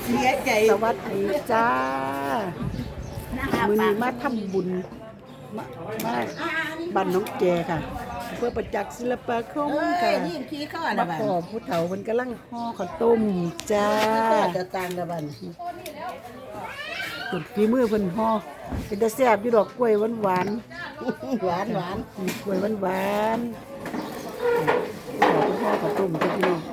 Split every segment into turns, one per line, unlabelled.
เสียใจ
สวัสดีจ้ามือนี้มาทำบุญมาบ้านน้องแกค่ะเพื่อประจักษ์ศิลปาคมค่ะ
ยิ่งขี้ข้อ
มา
นะบ้าน
ขอผู้เฒ่ามันกำลังห่อข้าวต้มจ้า
จะต่างนะบ้าน
ตุดฝีมือเพิ่นห่อเป็นตาแซ่บอยู่ดอกกล้วยหวาน
หวาน
กล้วยหวานห่อข้าวต้มจ้าพี่น้อง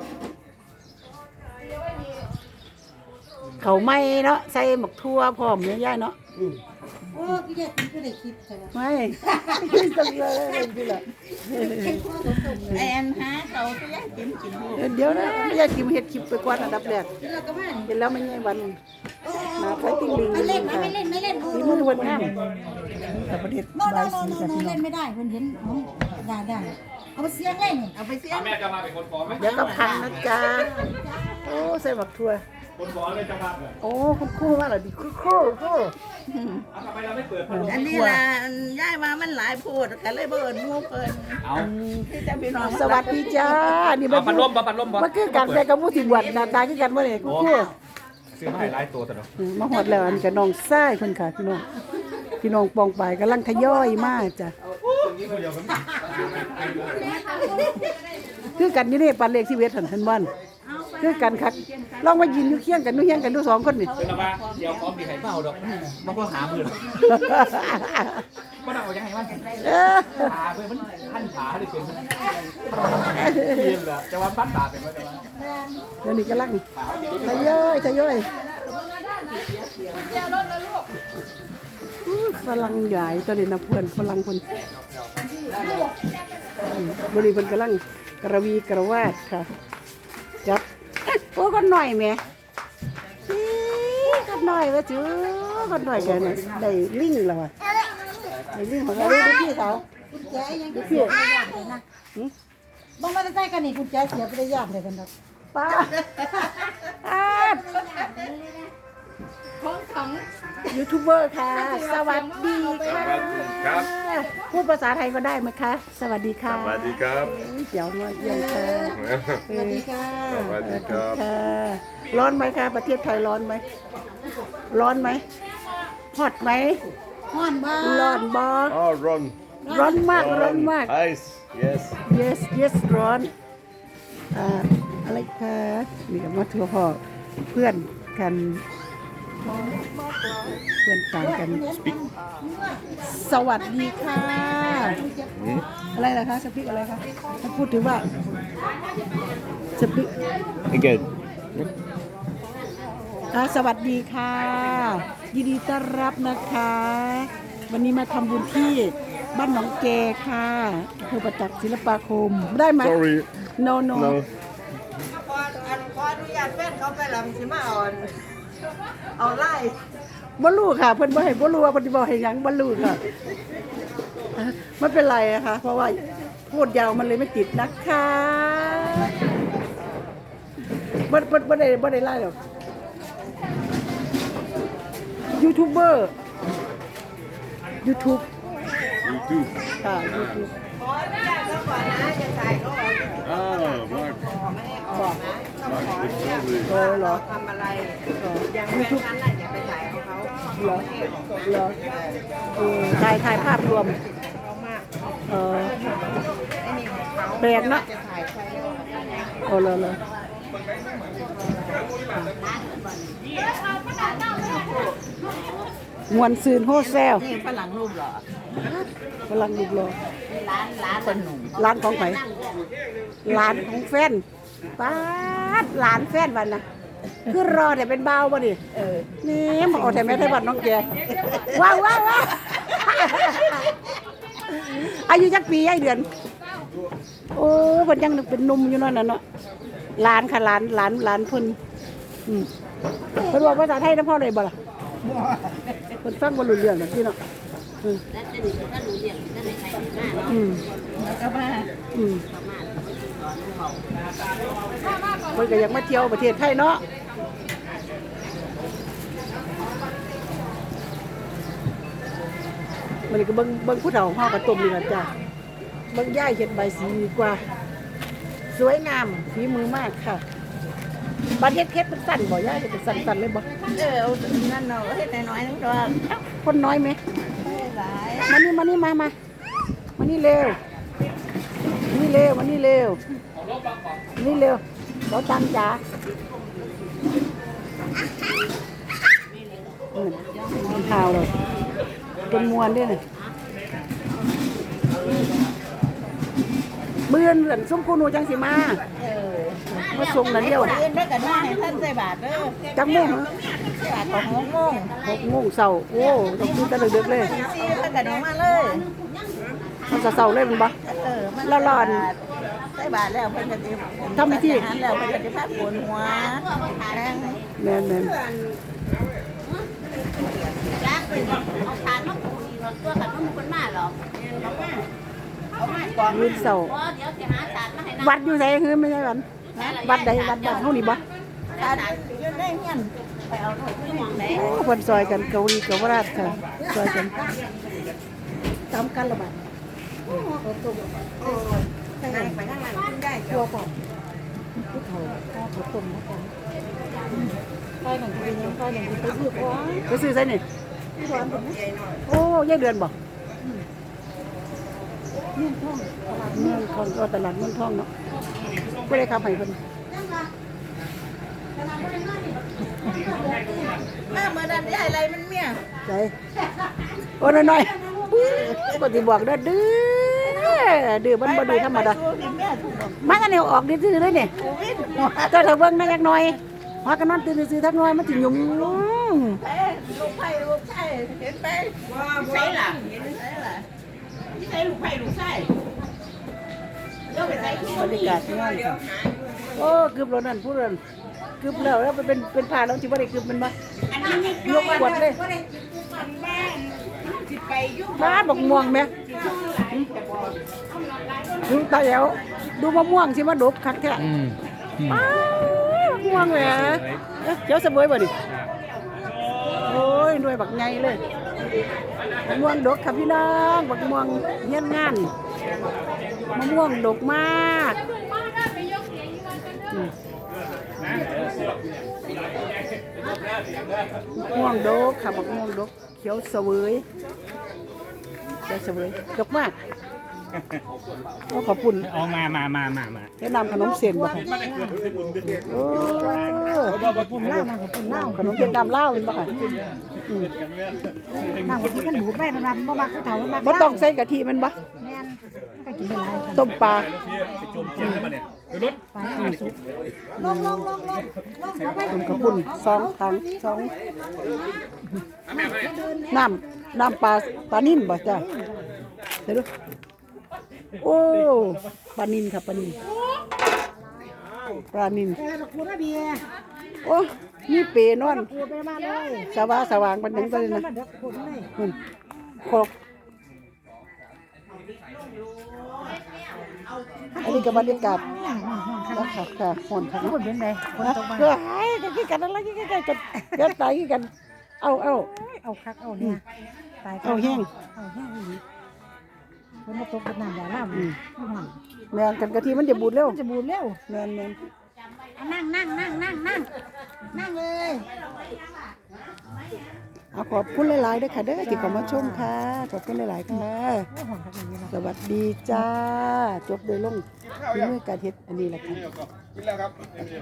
เขาไม่เนาะใส่หมกทั่วพร้อมเนี่ยย่าเนาะ
โอ้พี่ยายกินก็ได้คิดใช่ไหม
ไม่ต้องเลยพี่ละ
แอนหาเขาพี่ยายกิน
เดี๋ยวนะไม่อยากกินเห็ดคลิปไปก่อนอันดับแรก
เราก็บ้าน
เห็นแล้วไม่ใช่วันมาไปติ้งลิง
ไม่เล่นไม่เล่นไม่เล่น
มีมือวันงามแต่ประเทศ
โน
บายสีกับพี่น้อ
เล่
ง
นไม่ได้เพิ่นเห็นได้เอาไปเสียงเล่นเอาไปเสียง
แม่จะมาเป็นคนฟ้องไหม
เดี๋ยวก็พังนะจ๊ะโอ้ใส่หมักทั่ว
คนฟ้องเลยจะมาเลย
โอ้คุณครู่มากเลยดิครู่
ทำไมเราไม่เปิดพัดลม
อันนี้ล่ะย้ายมามันหลายพูดกันเลยเบิ่นหมู่เพิ่น
เอา
ที่จะพี่น้อง
สวัสดีจ้านี่
เอาพัดลมพัดลม
มันคือการแปลกับผู้ที่บวชหน้าตาคือกันว่าเนี่ยคุณครู่
ซื้อมาให้หลายตัวแต่เนาะ
มาหอดแล้วอันกับน้องไส้เพิ่นค่ะพี่น้องปองไปกำลังทยอยมาจ้ะคือกันอยู่นี่ปันเลขที่เวทหันทันบ้านคือกันคักลองมายินอยู่เคียงกันนู่เคียงกันดูสองคนนี่
เป็นอะไรเดี๋ยวพร้อมดีไข่เปล่าดอกมันก็หามือมันเอาอย่างไรมันขาเพื่อนมันขั้นขาเลยเป็นเย็นละจะวันปั้นตาเป็นว่าจะวัน
เดี๋ยวนี้กำลังทยอยฝรั่งใหญ่ตอนนี้นะเพื่อนฝรั่งคนบริเวณกำลังกระวีกระวาดค่ะจับโอ้ก็หน่อยแม่ก็หน่อยว่าจื้อก็หน่อยแกน่ะได้ลิงแล้วอ่ะได้ลิงของเราดูพี่สาว
กุญแจยังเสียไปยากเลยนะบ้องมาใส่กันนี่กุญแจเสียไปได้ยากเลยกันดอก
ป้ายูทูบเบอร์ค่ะ สวัสดีค่ะ
ครับ
พูดภาษาไทยก็ได้ไหมคะ สวัสดีค่ะ
สวัสดีครับ
เดี๋ยวมาเยี่ยมค่ะ
สวัสดีค่ะ
สวัสดีครับ
ค่ะร้อนไหมคะประเทศไทยร้อนไหมร้อนไหมฮอตไหม
ฮ้อนบ้า
ร้อนบอ
Oh, Ron.
ร้อนมากร้อนมาก
Ice. Yes.
yes ร้อนอะไรคะนี่ก็มาทัวร์พ่อเพื่อนกันเพื่อนต่างกัน สวัสดีค่ะ อะไรล่ะคะสปิกอะไรคะถ้าพูดถึงว่าสปิก
Again.
สวัสดีค่ะ ยินดีต้อนรับนะคะ วันนี้มาทำบุญที่บ้านหนองแกค่ะอำเภอประจักษ์ศิลปาคมได้ไหม
Sorry.
no
No.
ขออนุญาตแฟนเขาไปลำสิมาเอาไล่
บ่รู้ค่ะเพิ่นบ่ให้บ่รู้ว่าเพิ่นสิบ่ให้หยังบ่รู้ค่ะไม่เป็นไรอะค่ะเพราะว่าพูดยาวมันเลยไม่ติดนะคะบ่ได้ไล่หรอกยูทูบเบอร์ YouTube
YouTube.
ค่ะ YouTube
ขออนุญาตเขาก่อนนะจะถ่ายเขาออก
Ah, Mark.
บอก
Mark, it's lovely.
โอ้เหรอ
ทำอะไร
เหรอ
อย่างแฟนฉันน่ะอย่าไปถ่ายของเขา
เหรอเหรอถ่ายภาพรวม
เขามาก
เออ
ไอ้นี่ของเขา
แปลกเนอะ
จะถ่ายใคร
โอ้เหรอมวนซืนโฮแซล
นี่ฝรั่งรูปเหรอก
ำลังดูรอ
ร้านคนหนุ่ม
ร้านของไผร้านของแฟนป้าดร้านแฟนวันนะคือรอแต่เป็นเบาบ่ดินี่มาเอาแต่แม่ไทยบ้านน้องแกว้าวอายุจักปีไอ้เดือน โอ้เพิ่นยังเป็นหนุ่มอยู่นั่นน่ะเนาะร้านค่ะร้านเพิ่นเพิ่นบอกภาษาไทยนะพ่อเลยบ่ล่ะเพิ่นฟังบ่รู้เรื่องดอกพี่เนาะ
แล้วก็มา
เพิ่นก็อยากมาเที่ยวประเทศไทยเนาะมันก็เบิ่งผู้เฒ่าห่อกระต้มนี่ล่ะจ้ะเบิ่งย่ายเฮ็ดใบสีดีกว่า สวยงามฝีมือมากค่ะ ไปบัดเฮ็ดเป็นสั้นบ่ย่าเฮ็ดเป็นสั้นๆเลยบ่
เอานั่นเนาะเฮ็ดน้อยๆนึงตัว
คนน้อยไหม
หลาย
มานี่มานี่เร็วนี่เร็วมานี่เร็วนี่เร็วเราตังจ๋ามันข่าวเลยเป็นมวนด้วยเลยเบื่อนเหมือนส้มคูนูจังสิมาส่งนั่นเดียว
เอื่นได้กันมาให้ท่านใส่บาทเด้อ
จังมุ่ง
บาทของ6 โมง
6 โมงเช้าโอ้ต้องกินแต่ดึกๆเลย
4ท่านกันออกมาเลย
มันจะเช้าเลยมันบ่
มัน
ละลอน
ใส่บาทแล้วเพิ่นก็สิ
ทำพิธี
หันแล้วเพิ่นก็สิพักปวดหัวแรง
แม่น
จ้าเป็นเอาทานมาปูนี่เราตัวกันมันคนมาหรอกเอามาก่อน
มื้อเช้า
เพราะเดี๋ยวจะหาทานมาให้นะ
วัดอยู่ไสคือไม่ใช่วันวัดใดวัดบ้านเฮานี่บ่
ตาอยู่ในเฮียนไปเอาหน่อย
คือมองไหน
โอ้เพิ่นซอยกันเกาหลีเกาวราชค่ะซอยกันตามกันละบาด
นั่งไปข้างหลังขึ้นได้
ตัวก่อนผู้เฒ่าข้าวต้มแล้วกันไปหนังกินยังไปหนังกินไปซื้อของไปซื้อไสนี่โอ้ยายเดือนบ่เมืองทองก็ตลาดเมืองทองเนาะบ่ได้ขับให้เพิ่น
มาเมื่อนั้นยายอะไรมันเมีย
ใจโอ้น้อยๆบ่สิบอกเด้อดื้อมันบ่ดื้อธรรมดา
แม่ถูกบอก
มากันเอาออกดื้อๆเลยนี่
โควิด
ก็ถ้าเบิ่งนั่นจักหน่อยพากันนอนตื่นซื่อๆทักหน่อยมันสิยุ่ม
ลูกไผ่ลูกไผ่เห็นไปใช่ล่ะเห็นใช่ล่ะที่ใช่ลูกไผ่ลูกไส้เดี๋ยวไปใส่
บรรยากาศงานค่ะโอ้กึบแล้วนั่นผู้นั้นกึบแล้วเป็นผ้าแล้วสิบ่ได้กึบมันบ่ยกขวดเลยบ้านบักม่วงแม่ดูตาแหวดูมะม่วงสิมาดกคักแท้อ้าวมะม่วงแหมเจ้าเสบยบ่นี่โอ้ยหน่วยบักใหญ่เลยมะม่วงดกค่ะพี่น้องบักม่วงเฮียนงานมะม่วงดกมากม่วงดกค่ะบักม่วงดกเขียวเสวยเขียวเสวยดกมากขอบคุณ
เอามา
แนะนำขนมเส้นบ่ค่ะโอ้ขอบคุณเล่ามาขอบคุณเล่าขนมเส้นดำเล่าเป็นบ่ค่ะ
นั่งบนที่กันหูแม่นำบ่มักผู้เฒ่ามัก
บ่ต้องใส่กะทิมันบ่
แม่นก็กินได้หลาย
ต้มปลา
ลง
ต้มกระปุ่น2 ถังน้ำปลานิ่มบ่จ้ะเดี๋ยวดูโอ้ปลานิ่มค่ะปลานิ่ม
คุณนะเบียร์
โอ้มีเปนอน
กูไปมาเลย
สว่างปานนั้นก็เลยนะ
เดี๋ยวคุณเลย
ครกอันนี้ก็บรรยากาศนะคะค่ะห่อนค่ะ
คุณเป็นไงคนตกมา
เพื่อให้กันอะไรกันเกิดตายกันเอา
เอาคักเอาเนี่ยตาย
เอาแห้ง
อีกคนมาตกกันน้ำอย่าล่ำ
แมนกันกะทิมันจะบูดเร็ว
จะบูดเร็ว
แมน
นั่งเลย
เอาขอบคุณหลายๆด้วยค่ะเด้อที่เข้ามาชมค่ะขอบคุณหลายๆค่ะสวัสดีจ้าจบโดยลงที่มือการเฮ็ดอันนี้แหละค่ะ